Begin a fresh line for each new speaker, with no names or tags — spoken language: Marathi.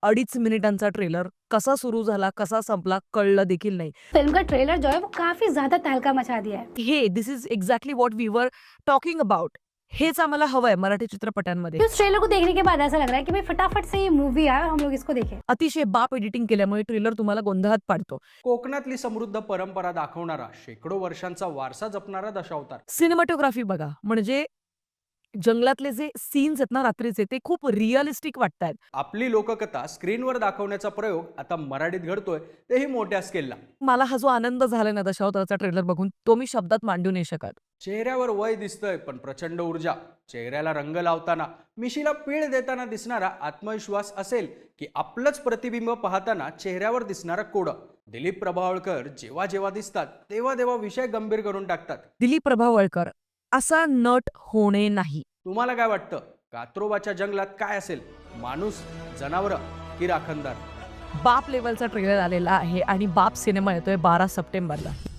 2.5 मिनिटांचा ट्रेलर कसा सुरू झाला, कसा संपला कळलं देखील नाही.
फिल्म का ट्रेलर जो है वो काफी ज्यादा तहलका मचा दिया है.
हे this is exactly what we were talking about. हेच आम्हाला हवंय मराठी चित्रपटांमध्ये.
इस ट्रेलर को देखने के बाद ऐसा लग रहा है कि भाई फटाफट से ये मूवी आए और हम लोग इसको देखें.
अतिशय बाप एडिटिंग केल्यामुळे ट्रेलर तुम्हाला गोंधळात पाडतो.
कोकणातली समृद्ध परंपरा दाखवणारा, शेकडो वर्षांचा वारसा जपणारा दशावतार.
सिनेमॅटोग्राफी बघा, म्हणजे जंगलातले जे सीन्स आहेत ना रात्रीचे, ते खूप रिअलिस्टिक वाटतायत.
आपली लोककथा स्क्रीनवर दाखवण्याचा प्रयोग आता मराठीत घडतोय, तेही मोठ्या स्केलला.
मला हा जो आनंद झालाय ना दशावताराचा ट्रेलर बघून, तो मी शब्दात मांडू नाही शकत.
चेहऱ्यावर वय दिसतंय पण प्रचंड ऊर्जा, चेहऱ्याला रंग लावताना, मिशीला पीळ देताना दिसणारा आत्मविश्वास असेल की आपलंच प्रतिबिंब पाहताना चेहऱ्यावर दिसणारा कोड. दिलीप प्रभावळकर जेव्हा जेव्हा दिसतात तेव्हा तेव्हा विषय गंभीर करून टाकतात.
दिलीप प्रभावळकर असा नट होणे नाही.
तुम्हाला काय वाटतं, कात्रोबाच्या जंगलात काय असेल, माणूस, जनावरं की राखणदार?
बाप लेवलचा ट्रेलर आलेला आहे आणि बाप सिनेमा येतोय 12 सप्टेंबरला.